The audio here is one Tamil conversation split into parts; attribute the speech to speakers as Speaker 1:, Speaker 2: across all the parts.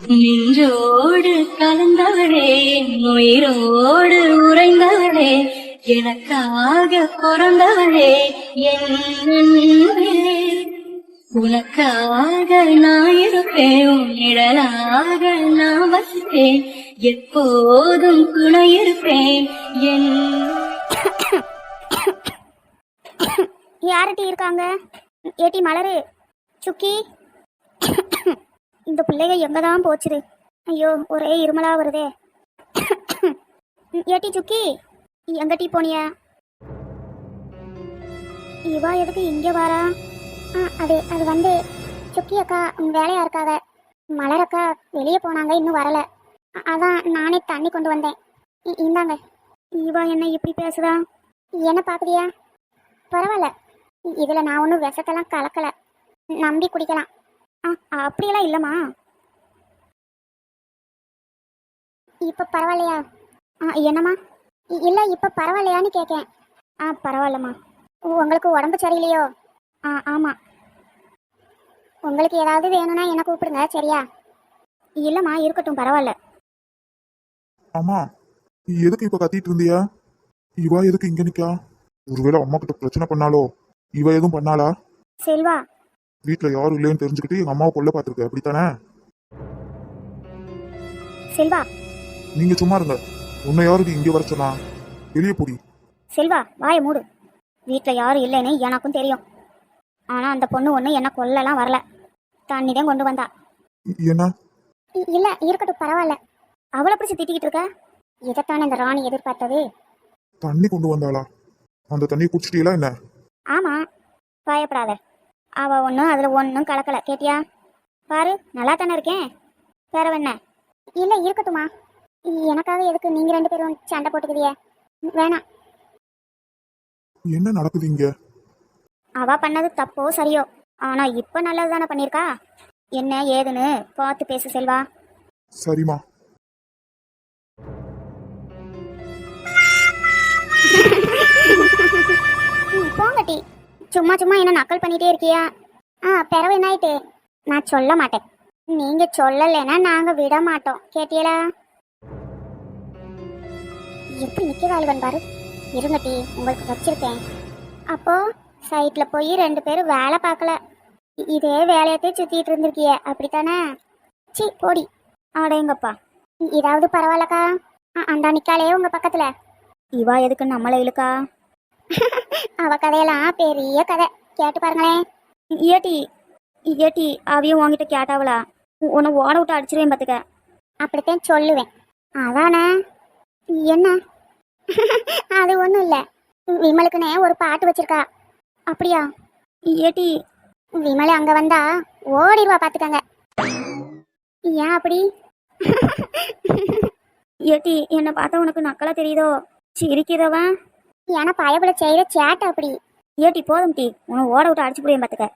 Speaker 1: நின்றோடு கலந்தவளே, உயிரோடு உறைந்தவளே, எனக்காக பிறந்தவளே, என் அன்பே. உனக்காக நான் இருப்பேன், உன் நிழலாக நான் வசிப்பேன், எப்போதும் துணை இருப்பேன் என்.
Speaker 2: யார்கிட்ட இருக்காங்க? ஏட்டி மலரு, சுக்கி, இந்த பிள்ளைங்க எங்கதான் போச்சுது? ஐயோ, ஒரே இருமலா வருதே. ஏட்டி சுக்கி, எங்கட்டி போனிய? இவா எதுக்கு இங்கே வாரா? அது வந்து சுக்கி அக்கா வேலையா இருக்காங்க. மலர் அக்கா வெளியே போனாங்க, இன்னும் வரல. அதான் நானே தண்ணி கொண்டு வந்தேன். இந்தாங்க. இவா என்ன இப்படி பேசுதா? என்ன பாக்குறியா? பரவாயில்ல, இதுல நான் ஒன்றும் விஷத்தெல்லாம் கலக்கல, நம்பி குடிக்கலாம். அப்படியெல்லாம் இல்லைம்மா. இப்ப பரவாயில்லையா? என்னம்மா? இல்லை, இப்ப பரவாயில்லையான்னு கேட்கேன். பரவாயில்லம்மா. உங்களுக்கு உடம்பு சரியில்லையோ? ஆமாம். உங்களுக்கு ஏதாவது வேணும்னா என்ன கூப்பிடுங்க, சரியா? இல்லைம்மா, இருக்கட்டும், பரவாயில்ல.
Speaker 3: அம்மா, எதுக்கு இப்ப கத்திட்டு இருந்தியா? இவா எதுக்கு இங்க நிக்கா? ஒருவேளை அம்மா கிட்ட பிரச்சனை பண்ணாலோ? இவ எதுவும் பண்ணாளா?
Speaker 2: செல்வா,
Speaker 3: வீட்டுல யாரும் இல்லைன்னு தெரிஞ்சுக்கிட்டு எங்க அம்மாவை கொல்ல பாத்துருக்க, அப்படித்தானே?
Speaker 2: செல்வா,
Speaker 3: நீங்க சும்மா இருங்க. உன்னை யாருக்கு இங்க வர சொன்னா? வெளியே போடி.
Speaker 2: செல்வா, வாயை மூடு. வீட்டில் யாரும் இல்லைன்னு எனக்கும் தெரியும். ஆனால் அந்த பொண்ணு ஒன்று என்ன கொல்லலாம் வரல, தண்ணி தான் கொண்டு வந்தா.
Speaker 3: என்ன?
Speaker 2: இல்லை, இருக்கட்டும், பரவாயில்ல. அவளை பிடிச்சி திட்டிக்கிட்டு இருக்க? இதைத்தானே இந்த ராணி எதிர்பார்த்தது.
Speaker 3: தண்ணி கொண்டு வந்தாளா? அந்த தண்ணியை குடிச்சிட்டீங்களா என்ன?
Speaker 2: ஆமாம், பயப்படாத. அவள் ஒன்றும் அதில் ஒன்றும் கலக்கலை, கேட்டியா? பாரு, நல்லா தானே இருக்கேன். வேற என்ன? இல்லை, இருக்கட்டுமா. எனக்காக எதுக்கு நீங்கள் 2 பேரும் சண்டை போட்டுக்குதிய? வேணாம்.
Speaker 3: என்ன நடக்குது இங்க?
Speaker 2: அவ பண்ணது தப்போ சரியோ, ஆனா இப்ப நல்லது தானே பண்ணிருக்கா. என்ன ஏதுன்னு பார்த்து பேசு செல்வா.
Speaker 3: சரிம்மா.
Speaker 2: போங்கட்டி, சும்மா சும்மா என்ன நக்கல் பண்ணிட்டே இருக்கியா? பிறவு என்ன ஆயிட்டு? நான் சொல்ல மாட்டேன். நீங்க சொல்லலைன்னா நாங்க விட மாட்டோம், கேட்டியலா? எப்படி நிக்கிறாளுவன் பாரு. இருங்கட்டி, உங்களுக்கு வச்சிருக்கேன். அப்போ சைட்ல போய் 2 பேரும் வேலை பார்க்கல, இதே வேலையத்தே சுத்திட்டு இருந்திருக்கிய, அப்படித்தானே? சி போடி. ஆடேங்கப்பா. இதாவது பரவாயில்லக்கா. அந்த நிக்காலே உங்க பக்கத்துல. இவா எதுக்கு நம்மளை இழுக்கா? அவ கதையெல்லாம் பெரிய கதை, கேட்டு பாருங்களேன். ஏட்டி ஏட்டி, அவையும் உங்ககிட்ட கேட்டாவளா? உன்னை ஓட விட்டு அடிச்சிருவேன் பார்த்துக்க. அப்படித்தான் சொல்லுவேன். அதானே? என்ன? அது ஒன்றும் இல்லை, விமலுக்குன்னே ஒரு பாட்டு வச்சிருக்கா. அப்படியா? ஏட்டி, விமலை அங்க வந்தா ஓடிடுவா, பாத்துக்கங்க. ஏன் அப்படி? ஏட்டி, என்னை பார்த்தா உனக்கு நக்கலா தெரியுதோ? சிரிக்கிறவன் ஏன்னா பயபுல செய்யற சேட்டை அப்படி. ஏட்டி போதும் டி, உன்னை ஓட விட்டு அடிச்சு போடுவேன் பார்த்துக்க.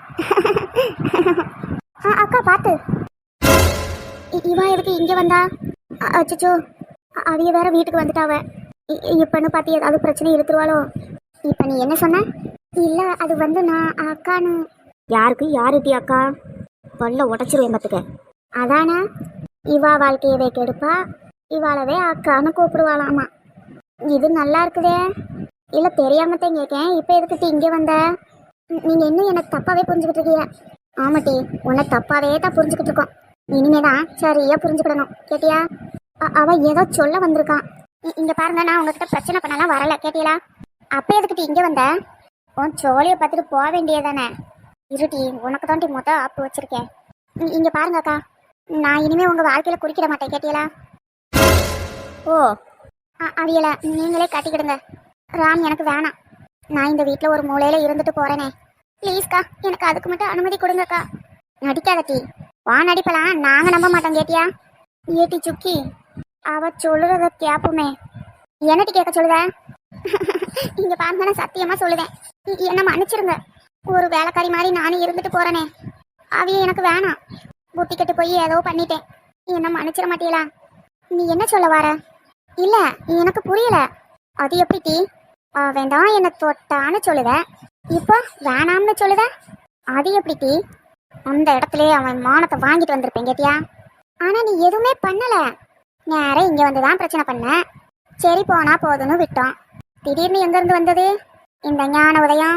Speaker 2: அக்கா பார்த்து. இவன் எதுக்கு இங்கே வந்தா? அச்சோ, அவிய வேற வீட்டுக்கு வந்துட்டாவ. இப்பன்னு பார்த்து ஏதாவது பிரச்சனை இழுத்துருவாளோ? இப்போ நீ என்ன சொன்ன? இல்லை, அது வந்து நான் அக்கான்னு. யாருக்கு யாருட்டி அக்கா? பல்ல உடச்சிருவேன் பார்த்துக்க. அதானே, இவா வாழ்க்கையவே கெடுப்பா, இவாளவே அக்கான்னு கூப்பிடுவாளாமா. இது நல்லா இருக்குதே. இல்லை, தெரியாமத்தான் கேட்கேன். இப்போ எதுக்கிட்டு இங்கே வந்த? நீங்கள் இன்னும் எனக்கு தப்பாகவே புரிஞ்சுக்கிட்டு இருக்கீங்க. ஆமாட்டி, உன்னை தப்பாகவே தான் புரிஞ்சுக்கிட்டு இருக்கோம். இனிமே தான் சரியா புரிஞ்சுக்கிடணும், கேட்டியா? அவ ஏதோ சொல்ல வந்திருக்கான். இங்க பாருங்க, நான் உங்ககிட்ட பிரச்சனை பண்ணலாம் வரல, கேட்டீங்களா? அப்ப எதுக்கிட்டு இங்க வந்த? உன் சோழியை பார்த்துட்டு போக வேண்டியதானே. இருட்டி, உனக்கு தாண்டி ஆப்பு வச்சிருக்கேன். இங்க பாருங்க அக்கா, நான் இனிமே உங்க வாழ்க்கையில குறுக்கிட மாட்டேன், கேட்டீங்களா? ஓ, அவியல நீங்களே கட்டிக்கிடுங்க. ராம் எனக்கு வேணாம். நான் இந்த வீட்டில் ஒரு மூலையில இருந்துட்டு போறேனே. ப்ளீஸ்க்கா, எனக்கு அதுக்கு மட்டும் அனுமதி கொடுங்கக்கா. நடிக்காதட்டி, வா நடிப்பலாம், நாங்க நம்ப மாட்டோம், கேட்டியா? ஏட்டி சுக்கி, அவ சொல்லுறத கேப்புமே. என்னட்டி கேட்க சொல்லுத? இங்க பாருங்க, நான் சத்தியமா சொல்லுவேன், என்ன மன்னிச்சிருங்க. ஒரு வேலைக்காரி மாதிரி நானும் இருந்துட்டு போறேனே, அவைய எனக்கு வேணாம். புத்தி கட்டு போய் ஏதோ பண்ணிட்டேன், என்ன மன்னிச்சிட மாட்டீங்களா? நீ என்ன சொல்ல வர? இல்ல, எனக்கு புரியல. அது எப்படி டீ? வேண்டாம் என்ன தொட்டான்னு சொல்லுத, இப்போ வேணாம்னு சொல்லுத, அது எப்படி டீ? அந்த இடத்துல அவன் மானத்தை வாங்கிட்டு வந்திருப்பேன், கேட்டியா? ஆனா நீ எதுவுமே பண்ணல. நேரா இங்க வந்து தான் பிரச்சனை பண்ண. சரி போனா போதும்னு விட்டோம். திடீர்னு எங்க இருந்து வந்தது இந்த ஞான உதயம்?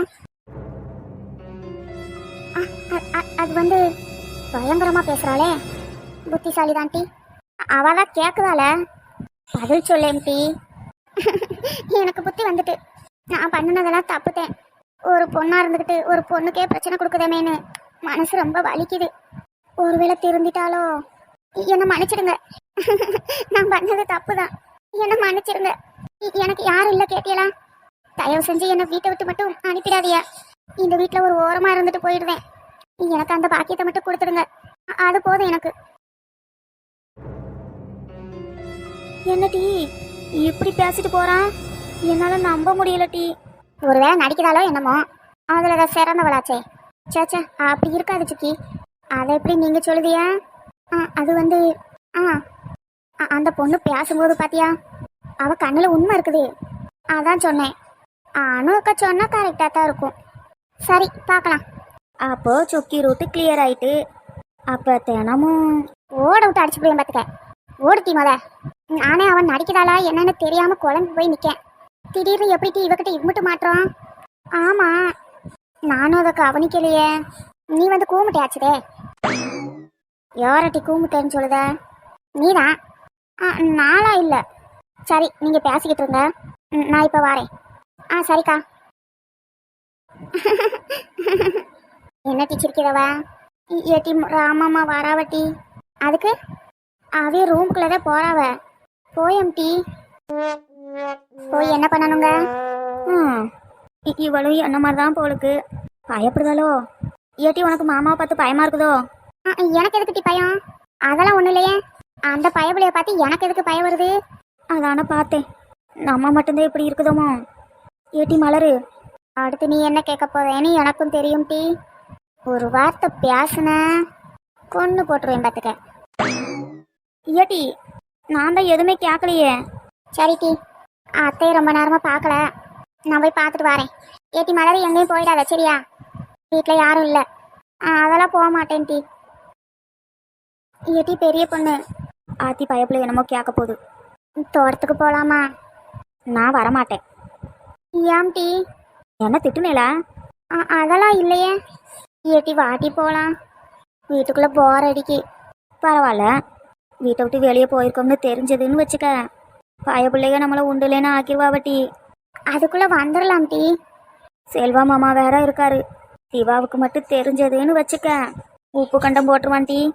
Speaker 2: அது வந்து பயங்கரமா பேசுறாளே, புத்திசாலி தான் டி. அவதான் கேக்குதால பதில் சொல்லேன் டி. எனக்கு புத்தி வந்துட்டு நான் பண்ணினதெல்லாம் தப்புத்தேன். ஒரு பொண்ணா இருந்துக்கிட்டு ஒரு பொண்ணுக்கே பிரச்சனை கொடுக்குதமேன்னு மனசு ரொம்ப வலிக்குது. ஒருவேளை திருந்திட்டாலோ? என்னை மன்னிச்சிடுங்க. நான் பண்ணது தப்பு தான், என்னை மன்னிச்சிடுங்க. எனக்கு யாரும் இல்லை கேட்டியலா? தயவு செஞ்சு என்னை வீட்டை விட்டு மட்டும் அனுப்பிடாதியா. இந்த வீட்டில் ஒரு ஓரமா இருந்துட்டு போயிடுவேன். எனக்கு அந்த பாக்கியத்தை மட்டும் கொடுத்துடுங்க, அது போதும் எனக்கு. என்ன டீ இப்படி பேசிட்டு போறான்? என்னால நம்ப முடியல டீ. ஒருவேளை நடிக்கிறாளோ என்னமோ, அதுல சிறந்தவளாச்சே. சேச்சா அப்படி இருக்காது சிக்கி. அதை எப்படி நீங்க சொல்லுதியா? அது வந்து அந்த பொண்ணு பேசும்போது பாத்தியா, அவ கண்ணுல உண்மை இருக்குது. அதான் சொன்னேன். அனுக்கா சொன்னா கரெக்டா தான் இருக்கும். சரி பார்க்கலாம். அப்போ சுக்கி ரூட்டு கிளியர் ஆயிட்டு அப்ப தினமும் ஓட விட்டு அடிச்சு போய் பார்த்துக்க. ஓடுத்தி முத. நானே அவன் நடிக்கிறாளா என்னன்னு தெரியாம குழம்பு போய் நிக்கேன். திடீர்னு எப்படி இவகிட்ட இம்மிட்டு மாற்றோம்? ஆமா, நானும் அதை கவனிக்கலையே. நீ வந்து கூமுட்டையாச்சுதே. யாரட்டி கூமுட்டேன்னு சொல்லுத? நீதான். நாளா இல்லை. சரி நீங்க பேசிக்கிட்டு இருங்க, நான் இப்ப வாரேன். சரிக்கா. என்ன டீச்சிருக்கிறவ? ஏட்டி ராமாமா வராவட்டி. அதுக்கு அவைய ரூம்குள்ளதான் போறாவ. Poem tea. போய் என்ன பண்ணணுங்க? இவளும் என்ன மாதிரிதான் போலுக்கு பயப்படுதாலோ. ஏட்டி உனக்கு மாமாவை பார்த்து பயமா இருக்குதோ? எனக்கு எதுக்கு டீ பயம்? அதெல்லாம் ஒண்ணு இல்லையே. அந்த பயபுலைய பார்த்து எனக்கு எதுக்கு பயம் வருது? அதான பார்த்தேன். நம்ம மட்டும்தான் இப்படி இருக்குதோமோ. ஏட்டி மலரு, அடுத்து நீ என்ன கேட்க போறேன்னு எனக்கும் தெரியும் டீ. ஒரு வார்த்தை பேசுன கொன்னு போட்டுருவேன் பார்த்துக்க. ஏட்டி நான் தான் எதுவுமே கேட்கலையே. சரி டீ, அத்தையை ரொம்ப நேரமா பார்க்கல, நான் போய் பார்த்துட்டு வரேன். ஏட்டி மலர் எங்கேயும் போயிடாத சரியா? வீட்டில் யாரும் இல்லை. அதெல்லாம் போக மாட்டேன் டீ. ஏட்டி பெரிய பொண்ணு ஆத்தி பயப்பில் என்னமோ கேட்க போகுது. தோட்டத்துக்கு போகலாமா? நான் வரமாட்டேன். ஏன் டீ? என்ன திட்டுனேலா? அதெல்லாம் இல்லையே. ஏட்டி வாட்டி போகலாம். வீட்டுக்குள்ளே போர் அடிக்கி. பரவாயில்ல, வீட்டை விட்டு வெளியே போயிருக்கோம்னு தெரிஞ்சதுன்னு வச்சுக்க, பயப்பிள்ளைக நம்மளை உண்டுலேன்னு ஆக்கிடுவாவட்டி. அதுக்குள்ளே வந்துடலாம் டீ. செல்வா மாமா வேற இருக்காரு. சிவாவுக்கு மட்டும் தெரிஞ்சதுன்னு வச்சுக்க, உப்பு கண்டம் போட்டுருவான் டீ.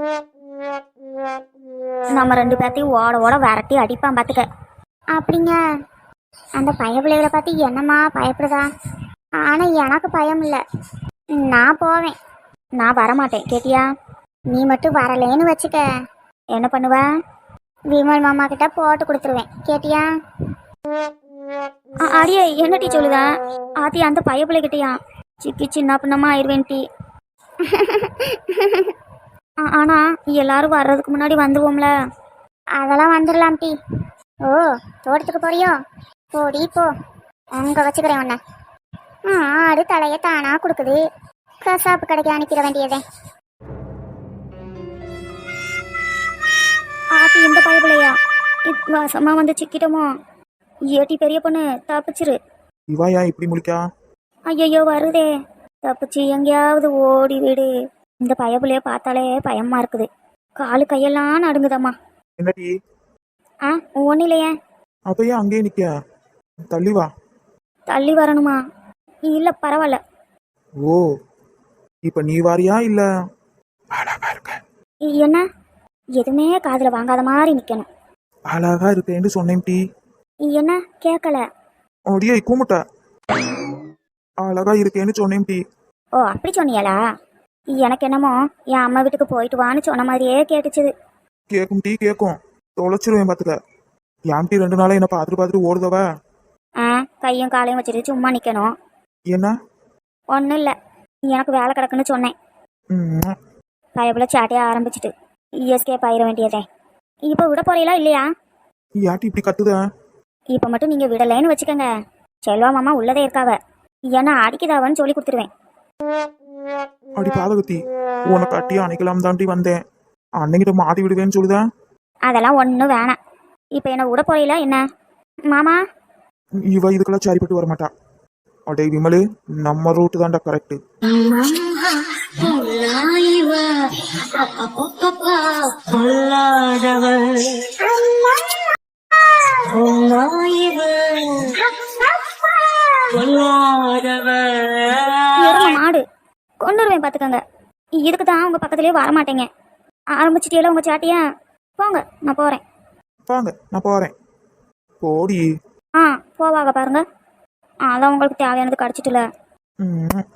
Speaker 2: நம்ம ரெண்டு பேர்த்தையும் ஓட ஓட விரட்டி அடிப்பான் பார்த்துக்க. அப்படிங்க? அந்த பயப்பிள்ளைகளை பார்த்து என்னம்மா பயப்படுதா? ஆனால் எனக்கு பயம் இல்லை, நான் போவேன். நான் வரமாட்டேன் கேட்டியா? நீ மட்டும் வரலேன்னு வச்சுக்க, என்ன பண்ணுவ? விமல் மாமா கிட்ட போட்டு கொடுத்துருவேன் கேட்டியா? அடியே என்ன டீ சொல்லுதா? ஆத்தி அந்த பயப்பிள்ளை கிட்டையா சிக்கி சின்ன பின்னமா ஆயிடுவேன் டீ. ஆனா எல்லாரும் வர்றதுக்கு முன்னாடி வந்துருவோம்ல. அதெல்லாம் வந்துடலாம் டீ. ஓ தோட்டத்துக்கு போறியோ? போடி போ, அங்க வச்சுக்கிறேன் உன்ன. ஆடு தலையை தானா கொடுக்குது, கசாப்பு கடைக்கு அனுப்பிட வேண்டியதே. ஆத்தி இந்த பயப்பிள்ளையா வாசமா வந்து சிக்கிட்டோமோ? ஏட்டி பெரிய பொண்ணு தப்பிச்சிரு.
Speaker 3: இவா ஏன் இப்படி முழிக்கா?
Speaker 2: ஐயோ வருதே, தப்பிச்சு எங்கேயாவது ஓடி விடு. இந்த பயப்புலைய பார்த்தாலே பயமா இருக்குது, காலு கையெல்லாம் நடுங்குதம்மா.
Speaker 3: என்னடி?
Speaker 2: ஒன்னும் இல்லையே.
Speaker 3: அப்ப ஏன் அங்கேயே நிக்க? தள்ளி வா.
Speaker 2: தள்ளி வரணுமா? இல்ல பரவாயில்ல.
Speaker 3: ஓ இப்ப நீ வாரியா இல்ல? அழகா இருக்க.
Speaker 2: என்ன எதுவுமே காதுல வாங்காத மாதிரி நிக்கணும்.
Speaker 3: அழகா இருக்கேன்னு சொன்னேன் டீ.
Speaker 2: என்ன கேட்கல?
Speaker 3: அடியே கூமுட்ட. அழகா இருக்கேன்னு சொன்னேன் டீ.
Speaker 2: ஓ அப்படி சொன்னியாளா? எனக்கு என்னமோ என் அம்மா வீட்டுக்கு போயிட்டு வான்னு சொன்ன மாதிரியே கேட்டுச்சுது.
Speaker 3: கேக்கும் டீ கேக்கும், தொலைச்சிருவேன் பாத்துக்க. ஏன் டீ 2 நாளா என்ன பார்த்துட்டு பார்த்துட்டு ஓடுதவ?
Speaker 2: கையும் காலையும் வச்சுட்டு சும்மா நிக்கணும்.
Speaker 3: என்ன?
Speaker 2: ஒன்றும் இல்லை, எனக்கு வேலை கிடக்குன்னு சொன்னேன். பயப்புல சாட்டையா ஆரம்பிச்சிட்டு எஸ்கேப் ஆயிட வேண்டியதே. இப்போ விட போறீங்களா இல்லையா?
Speaker 3: யாட்டி இப்படி கத்துத?
Speaker 2: இப்போ மட்டும் நீங்கள் விடலைன்னு வச்சுக்கோங்க, செல்வா மாமா உள்ளதே இருக்காவ, ஏன்னா அடிக்குதாவன்னு சொல்லி கொடுத்துருவேன்.
Speaker 3: அடி பாதகத்தி, உனக்கு அட்டியா அணைக்கலாம் தாண்டி வந்தேன். அன்னைக்கிட்ட மாட்டி விடுவேன்னு சொல்லுதா?
Speaker 2: அதெல்லாம் ஒன்றும் வேணாம். இப்போ என்ன விட போறீங்களா என்ன மாமா?
Speaker 3: இவ இதுக்கெல்லாம் சரிப்பட்டு வர மாட்டா. அடே விமலு, நம்ம ரூட்டு தான்டா கரெக்ட்.
Speaker 2: எருமை மாடு கொண்டுருவேன் பார்த்துக்கோங்க. இதுக்கு தான் உங்க பக்கத்துலேயே வர மாட்டேங்க. ஆரம்பிச்சிட்டியெல்லாம் உங்க சாட்டியா? போங்க, நான் போறேன்.
Speaker 3: வாங்க, நான் போறேன். போடி.
Speaker 2: ஆ போவாங்க பாருங்க. அதான் உங்களுக்கு தேவையானது கிடச்சிட்டுல.
Speaker 3: ம்.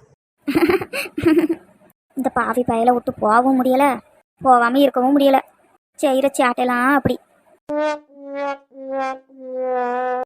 Speaker 2: இந்த பாவி பயலை விட்டு போகவும் முடியல, போகாம இருக்கவும் முடியல. செய்கிற சேட்டையெல்லாம் அப்படி.